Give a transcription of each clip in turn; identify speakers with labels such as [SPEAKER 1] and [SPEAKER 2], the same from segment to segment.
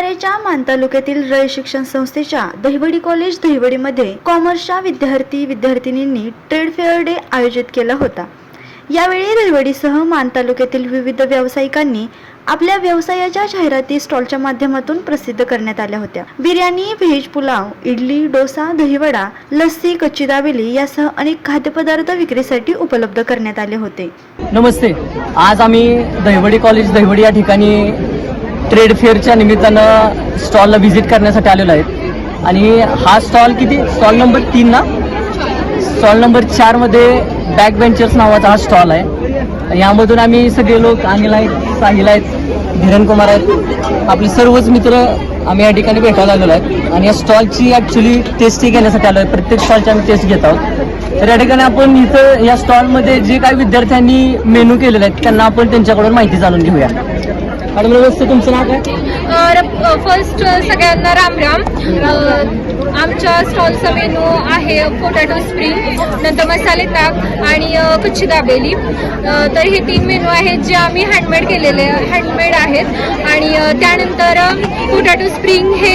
[SPEAKER 1] शाळेच्या मान तालुक्यातील रय शिक्षण संस्थेच्या दहिवडी कॉलेज दहिवडीमध्ये कॉमर्सच्या विद्यार्थी-विद्यार्थिनींनी ट्रेड फेअर डे आयोजित केला होता। यावेळी दहिवडीसह मान तालुक्यातील विविध व्यावसायिकांनी आपल्या व्यवसायाच्या जाहिराती स्टॉलच्या माध्यमातून प्रसिद्ध करण्यात आल्या होत्या। बिर्याणी, व्हेज पुलाव, इडली, डोसा, दहीवडा, लस्सी, कच्ची दाबेली यासह अनेक खाद्यपदार्थ विक्रीसाठी उपलब्ध करण्यात आले होते।
[SPEAKER 2] नमस्ते, आज आम्ही दहिवडी कॉलेज दहिवडी या ठिकाणी ट्रेड फेअरच्या निमित्तानं स्टॉलला व्हिजिट करण्यासाठी आलेलो आहे आणि हा स्टॉल नंबर 3 ना, स्टॉल नंबर 4 मध्ये बॅक बेंचर्स नावाचा हा स्टॉल आहे। यामधून आम्ही सगळे लोक अनिल आहेत, साहिल आहेत, धीरन कुमार आहेत, आपले सर्वच मित्र आम्ही या ठिकाणी भेटायला आलेलो आहेत आणि या स्टॉलची ॲक्च्युली टेस्टही घेण्यासाठी आलो आहे। प्रत्येक स्टॉलची आम्ही टेस्ट घेत आहोत। तर या ठिकाणी आपण इथं या स्टॉलमध्ये जे काही विद्यार्थ्यांनी मेनू केलेले आहेत त्यांना आपण त्यांच्याकडून माहिती जाणून घेऊया। मॅडम नमस्ते, तुमचं नाव काय?
[SPEAKER 3] फर्स्ट सगळ्यांना राम राम। आमच्या स्टॉलचा मेनू आहे पोटॅटो स्प्रिंग, नंतर मसाले ताक आणि कच्ची दाबेली। तर हे 3 मेनू आहेत जे आम्ही हँडमेड आहेत आणि त्यानंतर पोटॅटो स्प्रिंग हे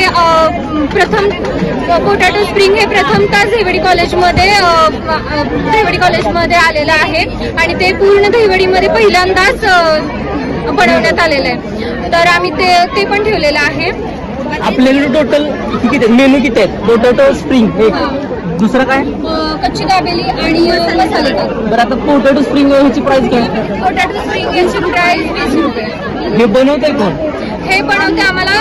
[SPEAKER 3] प्रथमतः दहिवडी कॉलेजमध्ये आलेलं आहे आणि ते पूर्ण दहिवडीमध्ये पहिल्यांदाच बनवण्यात आलेलं आहे। तर आम्ही ते पण ठेवलेलं आहे।
[SPEAKER 2] आपल्याकडे टोटल किती मेनू किती आहेत? पोटॅटो स्प्रिंग एक, दुसरं काय?
[SPEAKER 3] कच्ची दाबेली आणि मसाले ताक।
[SPEAKER 2] बरं, आता पोटॅटो स्प्रिंग ह्याची प्राइस काय?
[SPEAKER 3] पोटॅटो स्प्रिंग याची प्राइस 20 रुपये।
[SPEAKER 2] हे बनवतंय कोण?
[SPEAKER 3] हे बनवते आम्हाला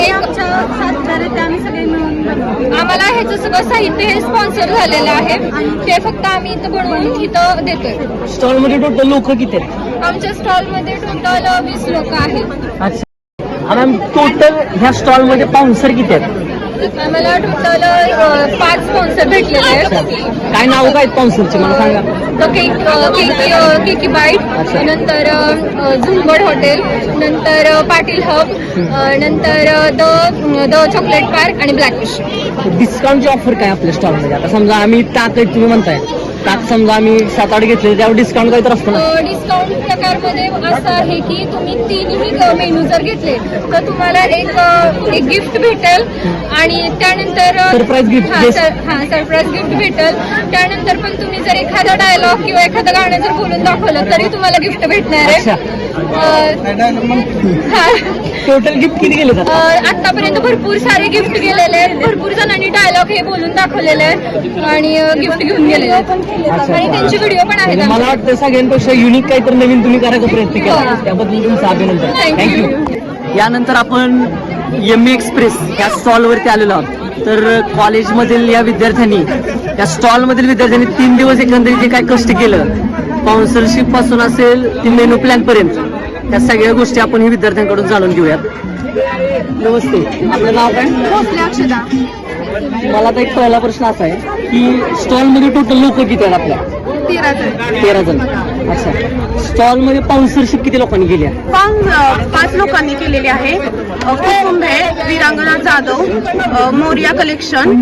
[SPEAKER 3] आम्हाला ह्याचं सगळं साहित्य हे स्पॉन्सर झालेलं आहे। ते फक्त आम्ही इथं बनवून इथं देतोय।
[SPEAKER 2] स्टॉलमध्ये टोटल लोक किती आहेत?
[SPEAKER 3] आमच्या स्टॉलमध्ये टोटल 20 लोक आहेत।
[SPEAKER 2] अच्छा, आणि टोटल ह्या स्टॉलमध्ये पाहुणसर किती आहेत?
[SPEAKER 3] आम्हाला टोटल 5 स्पॉन्सर भेटलेले आहेत।
[SPEAKER 2] काय नाव काय पाहुणसरचे मला सांगा?
[SPEAKER 3] केकी बाईट, नंतर झुंबड हॉटेल, नंतर पाटील हब, नंतर द चॉकलेट पार्क आणि ब्लॅकफिश।
[SPEAKER 2] डिस्काउंटची ऑफर काय आपल्या स्टॉलमध्ये? आता समजा आम्ही ताक आहे, तुम्ही म्हणताय ताक समजा आम्ही 7-8 घेतले त्यावर डिस्काउंट काय तर असतं ना?
[SPEAKER 3] डिस्काउंट प्रकारमध्ये असं आहे की तुम्ही 3 मेनू जर घेतले तर तुम्हाला एक गिफ्ट भेटेल आणि त्यानंतर
[SPEAKER 2] सरप्राईज गिफ्ट
[SPEAKER 3] सरप्राईज गिफ्ट भेटेल। त्यानंतर पण तुम्ही जर एखादा डायलॉग किंवा एखादं गाणं जर बोलून दाखवलं तरी तुम्हाला गिफ्ट भेटणार आहे।
[SPEAKER 2] टोटल गिफ्ट किती गेले?
[SPEAKER 3] आतापर्यंत भरपूर सारे गिफ्ट गेलेले आहेत। भरपूर जणांनी डायलॉग हे बोलून दाखवलेले आहेत आणि गिफ्ट घेऊन गेलेले आहेत आणि त्यांचे व्हिडिओ पण आहेत।
[SPEAKER 2] मला वाटतं सगळ्यांपेक्षा युनिक काहीतरी नवीन तुम्ही करायचा प्रयत्न केला, त्याबद्दल तुमचं अभिनंदन। थँक्यू। यानंतर आपण एमई एक्सप्रेस या स्टॉलवरती आलेलो आहोत। तर कॉलेजमधील या विद्यार्थ्यांनी, या स्टॉलमधील विद्यार्थ्यांनी 3 दिवस एकंदरीत जे काय कष्ट केलं, स्पॉन्सरशिप पासून असेल ती मेनू प्लॅन पर्यंत, त्या सगळ्या गोष्टी आपण ही विद्यार्थ्यांकडून जाणून घेऊयात। नमस्ते, आपलं नाव काय?
[SPEAKER 3] अक्षदा।
[SPEAKER 2] मला आता एक पहिला प्रश्न असा आहे की स्टॉलमध्ये टोटल लोक किती आहेत आपल्या? 13 जण। अच्छा, स्टॉलमध्ये स्पॉन्सरशिप किती लोकांनी केली आहे?
[SPEAKER 4] 5 लोकांनी केलेली आहे। कुसुंबे, वीरांगना जाधव, मोरिया कलेक्शन,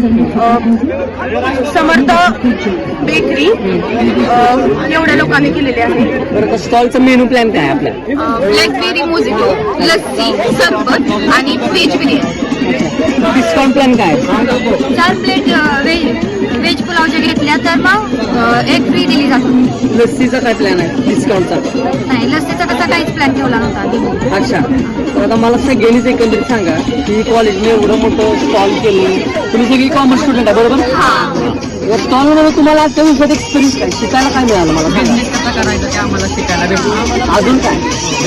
[SPEAKER 4] समर्थ बेकरी, एवढ्या लोकांनी केलेले आहे।
[SPEAKER 2] बरं, स्टॉलचा मेनू प्लॅन काय आहे आपल्या?
[SPEAKER 4] ब्लॅकबेरी मोजिटो, लस्सी, सरबत आणि व्हेज बिर्याणी।
[SPEAKER 2] डिस्काउंट प्लॅन काय आहे?
[SPEAKER 3] 4 प्लेट व्हेज पुलाव जर घेतल्या तर मग एक फ्री दिली जातो।
[SPEAKER 2] लस्सीचा काय प्लॅन आहे डिस्काउंटचा?
[SPEAKER 3] नाही, लस्सीचा तसा काहीच प्लॅन ठेवला नव्हता।
[SPEAKER 2] अच्छा, तर आता मला सगळ्यांनीच एकंदरीत सांगा की कॉलेजने एवढं मोठं स्टॉल केलं, तुम्ही सगळी कॉमर्स स्टुडंट आहे बरोबर? या स्टॉलमध्ये तुम्हाला आजच्या दिवसात एक्सपिरियन्स काय शिकायला काय मिळालं? मला
[SPEAKER 5] बिझनेस कसा करायचा ते आम्हाला शिकायला भेटलं।
[SPEAKER 2] अजून काय?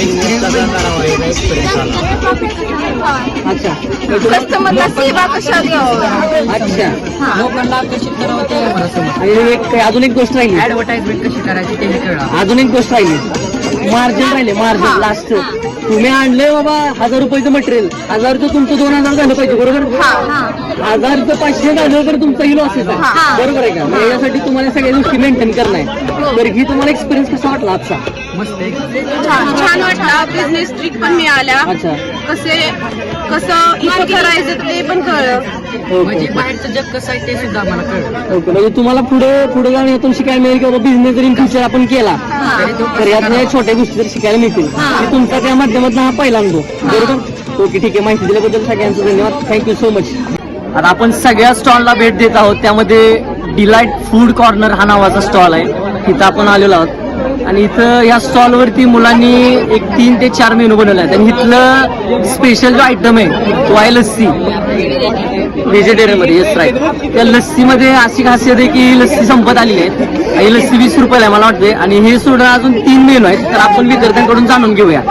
[SPEAKER 2] अच्छा,
[SPEAKER 4] कस्टमरला सेवा कशा द्यावं?
[SPEAKER 2] अच्छा,
[SPEAKER 5] लोकांना आकर्षित करावं ते आम्हाला समजलं।
[SPEAKER 2] आणि एक अजून एक गोष्ट राहिली,
[SPEAKER 5] ऍडव्हर्टाइजमेंट कशी करायची ते कळलं।
[SPEAKER 2] अजून एक गोष्ट राहिली, मार्जिन राहिले, मार्जिन लास्ट। तुम्ही आणलंय बाबा 1000 रुपयाचं मटेरियल, 1000चं तुमचं 2000 झालं पाहिजे बरोबर? 1000चं 500 झालं तर तुमचाही लॉसेस आहे बरोबर आहे का? मग यासाठी तुम्हाला सगळ्या गोष्टी मेंटेन करणं आहे। तर ही तुम्हाला एक्सपिरियन्स कसा वाटला आजचा?
[SPEAKER 5] मस्त
[SPEAKER 4] छान वाटला। बिझनेस ट्रिक पण मिळाल्या।
[SPEAKER 2] अच्छा,
[SPEAKER 4] कसं इथं करायचं ते पण कळलं।
[SPEAKER 5] म्हणजे बाहेरचं जग कसं आहे ते सुद्धा आम्हाला कळलं।
[SPEAKER 2] ओके, म्हणजे तुम्हाला पुढे जाऊन यातून शिकायला मिळेल की बाबा बिझनेस जर इन फ्युचर आपण केला तर यातल्या छोट्या गोष्टी जर शिकायला मिळतील की तुमचा त्या माध्यमातून हा पहिला अनुभव बरोबर? ओके ठीक आहे, माहिती दिल्याबद्दल सगळ्यांचं धन्यवाद, थँक्यू सो मच. आता आपण सगळ्या स्टॉलला भेट देत आहोत. त्यामध्ये डिलाईट फूड कॉर्नर हा नावाचा स्टॉल आहे, तिथं आपण आलेलो आहोत. आणि इथं या स्टॉलवरती मुलांनी एक 3 ते 4 मेनू बनवले आहेत. आणि इथलं स्पेशल जो आयटम आहे तो आहे लस्सी, व्हेजिटेरियनमध्ये. Yes right. त्या लस्सीमध्ये अशी खासियत आहे की लस्सी संपत आलेली आहे. ही लस्सी 20 रुपयाला आहे मला वाटते. आणि हे सोडून अजून 3 मेनू आहेत, तर आपण विद्यार्थ्यांकडून जाणून घेऊया.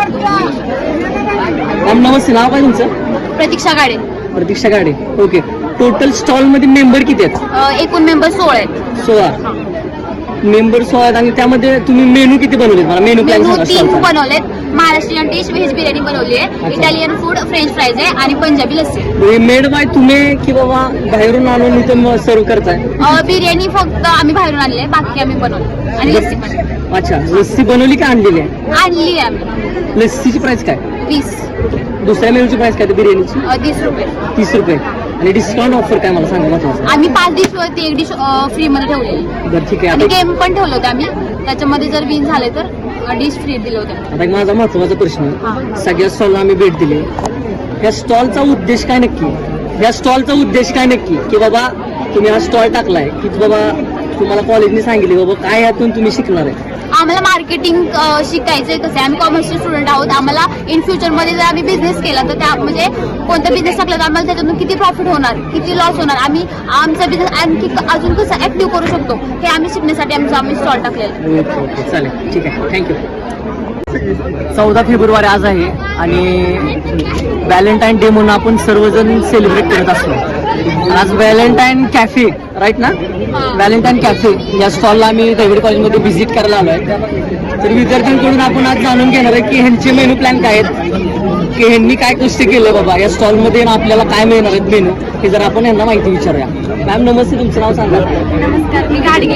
[SPEAKER 2] मॅम नमस्ते, नाव काय तुमचं?
[SPEAKER 4] Pratiksha Gade.
[SPEAKER 2] Pratiksha Gade. Okay. Total stall मध्ये मेंबर किती आहेत?
[SPEAKER 4] एकूण मेंबर 16 आहेत.
[SPEAKER 2] 16 मेंबर 16 आहेत. आणि त्यामध्ये तुम्ही मेनू किती बनवले? मला मेनू प्लॅन
[SPEAKER 4] मेनू
[SPEAKER 2] सांगा
[SPEAKER 4] 3
[SPEAKER 2] स्टॉलचा.
[SPEAKER 4] बनवलेत. महाराष्ट्रीयन डिश, व्हेज बिर्याणी बनवली आहे, इटालियन फूड, फ्रेंच फ्राईज आहे आणि पंजाबी लस्सी.
[SPEAKER 2] मेड बाय तुम्ही की बाबा बाहेरून आणून इथं सर्व करताय?
[SPEAKER 4] बिर्याणी फक्त आम्ही बाहेरून आणली आहे, बाकी आम्ही बनवली आणि लस्सी पण
[SPEAKER 2] अच्छा, लस्सी बनवली का आणलेली आहे?
[SPEAKER 4] आणली आहे आम्ही.
[SPEAKER 2] लस्सीची प्राइस काय?
[SPEAKER 4] 20.
[SPEAKER 2] दुसऱ्या मेनूची प्राइस काय? बिर्याणीची
[SPEAKER 4] 30 रुपये.
[SPEAKER 2] 30 रुपये. आणि डिस्काउंट ऑफर काय मला सांगा महत्वाचं?
[SPEAKER 4] आम्ही 5 डिशवरती 1 डिश फ्री मध्ये ठेवलेली.
[SPEAKER 2] बरं ठीक आहे.
[SPEAKER 4] आणि
[SPEAKER 2] आता
[SPEAKER 4] गेम पण ठेवलं होतं आम्ही, त्याच्यामध्ये जर विन झाले तर डिश फ्री दिलं होतं.
[SPEAKER 2] आता एक माझा महत्वाचा प्रश्न आहे. सगळ्या स्टॉलला आम्ही भेट दिली, या स्टॉलचा उद्देश काय नक्की? या स्टॉलचा उद्देश काय नक्की? की बाबा तुम्ही हा स्टॉल टाकलाय की बाबा तुम्हाला कॉलेजने सांगितले बाबा काय यातून तुम्ही शिकणार आहे?
[SPEAKER 4] आम्हाला मार्केटिंग शिकायचंय. कसं आहे, आम्ही कॉमर्सचे स्टुडंट आहोत. आम्हाला इन फ्युचरमध्ये जर आम्ही बिझनेस केला तर त्या म्हणजे कोणता बिझनेस टाकला तर आम्हाला त्याच्यातून किती प्रॉफिट होणार, किती लॉस होणार, आम्ही आमचा बिझनेस आणखी अजून कसं ऍक्टिव्ह करू शकतो हे आम्ही शिकण्यासाठी आम्ही स्टॉल टाकलेला आहे.
[SPEAKER 2] ओके ओके चालेल, ठीक आहे, थँक्यू. 14 फेब्रुवारी आज आहे आणि व्हॅलेंटाईन डे म्हणून आपण सर्वजण सेलिब्रेट करत असतो. आज व्हॅलेंटाईन कॅफे राईट ना? व्हॅलेंटाईन कॅफे या स्टॉलला आम्ही दहिवडी कॉलेजमध्ये व्हिजिट करायला आलो आहे. तर विद्यार्थ्यांकडून आपण आज जाणून घेणार आहे की ह्यांचे मेनू प्लॅन काय आहेत, की ह्यांनी काय कष्ट केलं बाबा या स्टॉलमध्ये आपल्याला काय मिळणार आहेत मेनू, हे जर आपण यांना माहिती विचारूया. मॅम नमस्ते, तुमचं नाव सांगा.
[SPEAKER 4] नमस्कार, मी Gadge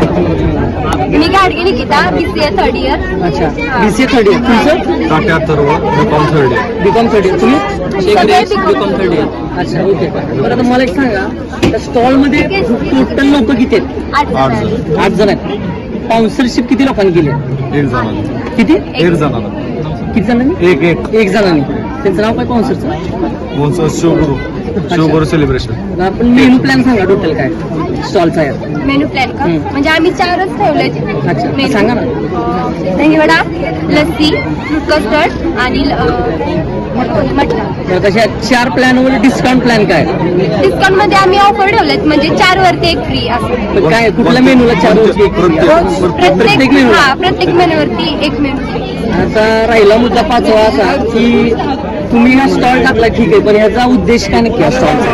[SPEAKER 4] Nikita, BCA 3rd year.
[SPEAKER 2] अच्छा, BCA 3rd इयर. तुमचं?
[SPEAKER 6] टाक्या सर्व BCom 3rd year.
[SPEAKER 2] BCom 3rd year. तुम्ही?
[SPEAKER 4] सगळे
[SPEAKER 2] बीकॉम 3rd इयर. अच्छा ओके. बरं आता मला एक सांगा, त्या स्टॉलमध्ये टोटल लोक किती आहेत? 8 जण आहेत. स्पॉन्सरशिप किती लोकांनी केली?
[SPEAKER 6] 1 जणांना.
[SPEAKER 2] किती?
[SPEAKER 6] 1 जणांना.
[SPEAKER 2] किती जणांनी?
[SPEAKER 6] 1
[SPEAKER 2] जणांनी. त्यांचं नाव काय स्पॉन्सरचं?
[SPEAKER 6] कोणचं? शिवगुरु सेलिब्रेशन.
[SPEAKER 2] आपण मेनू प्लॅन सांगा टोटल काय स्टॉलचा आहे.
[SPEAKER 4] मेनू प्लॅन का? म्हणजे आम्ही 4च ठेवले.
[SPEAKER 2] अच्छा सांगा ना.
[SPEAKER 4] दहीवडा, लस्सी, कस्टर्ड आणि मटण.
[SPEAKER 2] तर तशा 4 प्लॅनवर डिस्काउंट प्लॅन काय?
[SPEAKER 4] डिस्काउंट मध्ये आम्ही ऑफर ठेवलेत, म्हणजे 4 वरती 1 फ्री असं.
[SPEAKER 2] पण काय कुठल्या मेनूला 4 वरती प्रत्येक मेनू?
[SPEAKER 4] प्रत्येक मेनूवरती 1 मेनू फ्री.
[SPEAKER 2] आता राहिला मुद्दा 5वा असा की तुम्ही हा स्टॉल टाकला ठीक आहे, पण ह्याचा उद्देश काय नक्की स्टॉलचा?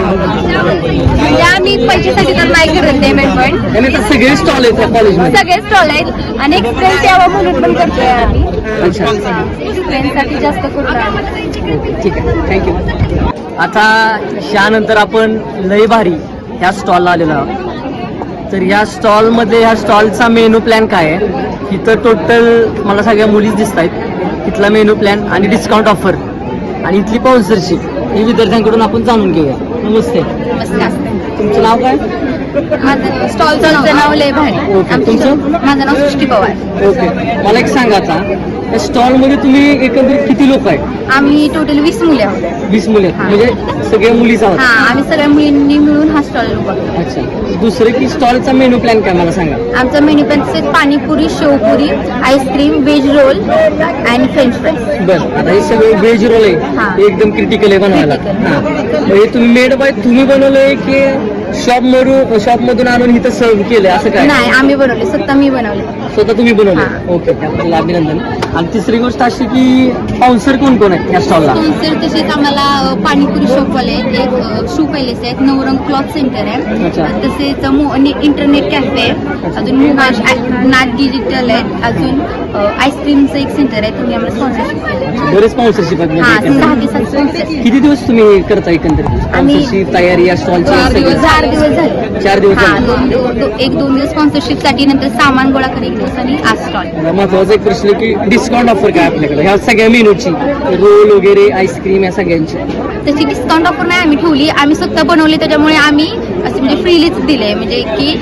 [SPEAKER 4] म्हणजे आम्ही पैशासाठी तर नाही करत पेमेंट पण.
[SPEAKER 2] आणि तर सगळे स्टॉल आहेत त्या कॉलेजमध्ये?
[SPEAKER 4] सगळे स्टॉल आहेत आणि एक्सपिरियन्स यावं म्हणून पण करतोय आम्ही.
[SPEAKER 2] अच्छा
[SPEAKER 4] एक्सपिरियन्ससाठी जास्त करतो आम्ही.
[SPEAKER 2] ठीक आहे, थँक्यू. आता ह्यानंतर आपण लय भारी ह्या स्टॉलला आलेलो आहोत. तर ह्या स्टॉलमध्ये ह्या स्टॉलचा मेनू प्लॅन काय आहे? इथं टोटल मला सगळ्या मुलीच दिसत आहेत. इथला मेनू प्लॅन आणि डिस्काउंट ऑफर आणि इथली स्पॉन्सरशिप ही विद्यार्थ्यांकडून आपण जाणून घेऊया. नमस्ते, तुमचं नाव काय?
[SPEAKER 4] माझं स्टॉलचं नाव लय भारी.
[SPEAKER 2] ओके, तुमचं?
[SPEAKER 4] माझं नाव सृष्टी पवार.
[SPEAKER 2] ओके, मला एक सांगा आता या स्टॉलमध्ये तुम्ही एकंदरीत किती लोक आहेत?
[SPEAKER 4] आम्ही टोटल 20 मुले आहोत.
[SPEAKER 2] 20 मुले आहेत. म्हणजे सगळ्या मुलीच आहोत?
[SPEAKER 4] हा, आम्ही सगळ्या मुलींनी मिळून हा स्टॉल बघतो.
[SPEAKER 2] अच्छा, दुसरं की स्टॉलचा मेनू प्लॅन काय मला सांगा.
[SPEAKER 4] आमचा मेन्यू पण panipuri, shevpuri, ice cream, veg roll आणि फ्रेंच फ्राईज.
[SPEAKER 2] बरं, आता हे सगळं व्हेज रोल
[SPEAKER 4] हा.
[SPEAKER 2] आहे, एकदम क्रिटिकल आहे बनवायला.
[SPEAKER 4] Critical.
[SPEAKER 2] हा, मग हे तुम्ही मेड बाय तुम्ही बनवलंय की शॉपमधून आणून इथं सर्व केलंय असं काय?
[SPEAKER 4] नाही, आम्ही बनवले, स्वतः मी बनवले.
[SPEAKER 2] स्वतः तुम्ही बनवलं?
[SPEAKER 4] हा.
[SPEAKER 2] ओके, त्याबद्दल अभिनंदन. आणि तिसरी गोष्ट अशी की स्पॉन्सर कोण कोण आहे या स्टॉलला?
[SPEAKER 4] स्पॉन्सर तसेच आम्हाला पाणीपुरी शॉपवाले आहेत, एक शू पॅलेस आहेत, नवरंग क्लॉथ सेंटर आहे,
[SPEAKER 2] अच्छा.
[SPEAKER 4] तसेच इंटरनेट कॅफे आहे, अजून नाथ डिजिटल आहे, अजून आईस्क्रीमचं एक सेंटर आहे. तुम्ही आम्हाला स्पॉन्सरशिप केलं.
[SPEAKER 2] बरेच स्पॉन्सरशिप आहेत
[SPEAKER 4] हा,
[SPEAKER 2] म्हणजे
[SPEAKER 4] 6 दिवसात स्पॉन्सर.
[SPEAKER 2] किती दिवस तुम्ही करता एकंदरीत स्पॉन्सरशिप तयारी या स्टॉलची?
[SPEAKER 4] 4 दिवस झाले.
[SPEAKER 2] 4 दिवस
[SPEAKER 4] हा,
[SPEAKER 2] झाले.
[SPEAKER 4] 1-2 दिवस स्पॉन्सरशिप साठी, नंतर सामान गोळा कर 1 दिवस आणि आज स्टॉल.
[SPEAKER 2] मला महत्वाचा एक प्रश्न की डिस्काउंट ऑफर काय आपल्याकडे ह्या सगळ्या मेनूची, रोल वगैरे आईस्क्रीम या सगळ्यांची?
[SPEAKER 4] तशी डिस्काउंट ऑफर नाही आम्ही ठेवली, आम्ही स्वतः बनवले, त्याच्यामुळे आम्ही असे म्हणजे फ्रीलीच दिले, म्हणजे की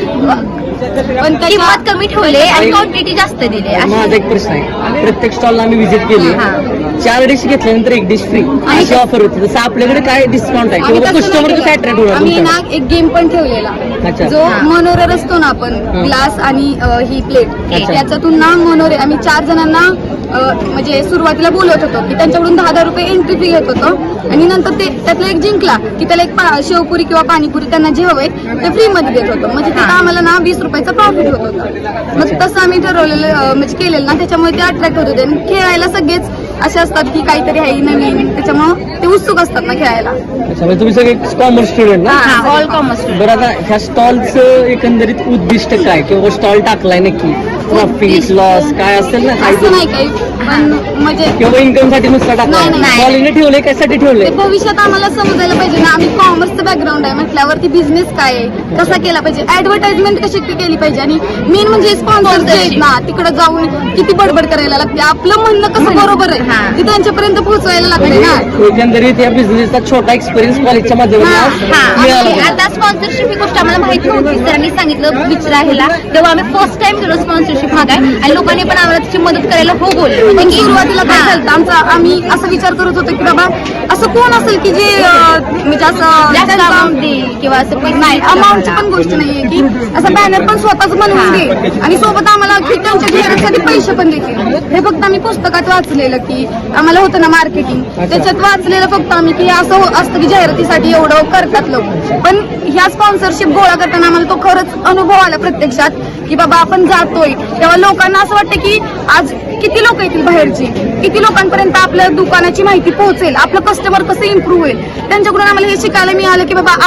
[SPEAKER 4] किंमत कमी ठेवले आणि क्वांटिटी जास्त दिली.
[SPEAKER 2] माझा एक प्रश्न आहे, प्रत्येक स्टॉलला आम्ही व्हिजिट केली,
[SPEAKER 4] हा.
[SPEAKER 2] 4 डिश घेतल्यानंतर 1 डिश फ्री अशी ऑफर होती. तसं आपल्याकडे काय डिस्काउंट आहे किंवा कस्टमर कसं अट्रॅक्ट होणार
[SPEAKER 7] आम्ही ना
[SPEAKER 2] तुमच्याकडे?
[SPEAKER 7] एक गेम पण ठेवलेला
[SPEAKER 2] अच्छा.
[SPEAKER 7] जो मनोरर असतो ना आपण ग्लास आणि ही प्लेट
[SPEAKER 2] अच्छा.
[SPEAKER 7] याच्यातून ना मनोरे आम्ही 4 जणांना म्हणजे सुरुवातीला बोलवत होतो की त्यांच्याकडून 10,000 रुपये एंट्री फी घेत होतो आणि नंतर ते त्यातला एक जिंकला की त्याला एक शेवपुरी किंवा पाणीपुरी त्यांना जे हवंय ते फ्री मध्ये देत होतो. म्हणजे तिथं आम्हाला ना 20 रुपयाचा प्रॉफिट होत होता. मग तसं आम्ही ठरवलेलं म्हणजे केलेलं ना, त्याच्यामुळे ते अट्रॅक्ट होत होते. आणि खेळायला सगळेच असे असतात की काहीतरी आहे नवीन, त्याच्यामुळे ते उत्सुक असतात ना खेळायला.
[SPEAKER 2] अच्छा, म्हणजे तुम्ही सगळे कॉमर्स स्टुडंट ना?
[SPEAKER 7] All commerce.
[SPEAKER 2] बरं, आता ह्या स्टॉलचं एकंदरीत उद्दिष्ट काय किंवा स्टॉल टाकलाय नक्की प्रॉफिट लॉस काय असेल ना
[SPEAKER 7] असं नाही काही, पण म्हणजे
[SPEAKER 2] किंवा इन्कम साठी नुसतं टाकलाय?
[SPEAKER 7] नाही, नाही.
[SPEAKER 2] कॉलेजने ठेवलंय कशासाठी
[SPEAKER 7] ते
[SPEAKER 2] ठेवलंय?
[SPEAKER 7] भविष्यात आम्हाला समजायला पाहिजे ना, आम्ही कॉमर्सचं बॅकग्राऊंड आहे म्हटल्यावरती बिझनेस काय आहे, कसा केला पाहिजे, ऍडव्हर्टाइजमेंट कशी केली पाहिजे आणि मेन म्हणजे स्पॉन्सर जे आहेत ना तिकडे जाऊन किती बडबड करायला लागते. आपलं म्हणणं कसं बरोबर आहे ते त्यांच्यापर्यंत पोहोचवायला लागले ना.
[SPEAKER 2] एकंदरीत या बिझनेसचा छोटा एक्सपिरियन्स कॉलेजच्या माध्यमातून मिळाला होता.
[SPEAKER 4] आता स्पॉन्सरशिप ही गोष्ट आम्हाला माहिती नव्हती. सरांनी सांगितलं विचारायला, तेव्हा आम्ही फर्स्ट टाइम गेलो स्पॉन्सरशिप मागाय आणि लोकांनी पण आम्हाला त्याची मदत करायला हो बोलले.
[SPEAKER 7] पण सुरुवातीला काय झालं आम्ही असा विचार करत होतो की बाबा असं कोण असेल की जे म्हणजे असं
[SPEAKER 4] जास्त अमाऊंट देईल किंवा असं पैसे
[SPEAKER 7] नाही, अमाऊंटची पण गोष्ट नाहीये की असं बॅनर पण स्वतःच बनवून दे आणि सोबत आम्हाला की त्यांच्या जाहिरातीसाठी पैसे पण देतील. हे फक्त आम्ही पुस्तकात वाचलेलं की आम्हाला होतं ना मार्केटिंग, त्याच्यात वाचलेलं फक्त आम्ही की असं असतं की जाहिरातीसाठी एवढं करतात लोक. पण ह्या स्पॉन्सरशिप गोळा करताना आम्हाला तो खरंच अनुभव आला प्रत्यक्षात की बाबा आपण जातोय तेव्हा लोकांना असं वाटतं की आज किती लोक येतील बाहेरची, किती लोकांपर्यंत आपल्या दुकानाची माहिती पोहोचेल, आपलं कस्टमर कसं इम्प्रूव्ह होईल. त्यांच्याकडून आम्हाला हे शिकायला मिळालं की बाबा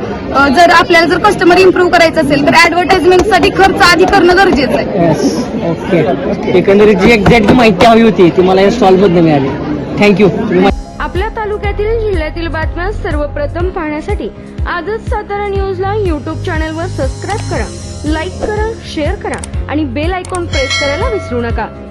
[SPEAKER 7] आपल्याला जर कस्टमर इम्प्रूव्ह करायचं असेल तर ऍडव्हर्टाइजमेंटसाठी खर्च आधी करणं गरजेचं आहे.
[SPEAKER 2] ओके, एकंदरीत जी एक्झॅक्ट माहिती हवी होती ती मला या स्टॉल मधून मिळाली. थँक्यू.
[SPEAKER 8] आपल्या तालुक्यातील जिल्ह्यातील बातम्या सर्वप्रथम पाहण्यासाठी आजच सातारा न्यूजला यूट्यूब चॅनलवर सबस्क्राईब करा, लाईक करा, शेअर करा आणि बेल आयकॉन प्रेस करायला विसरू नका.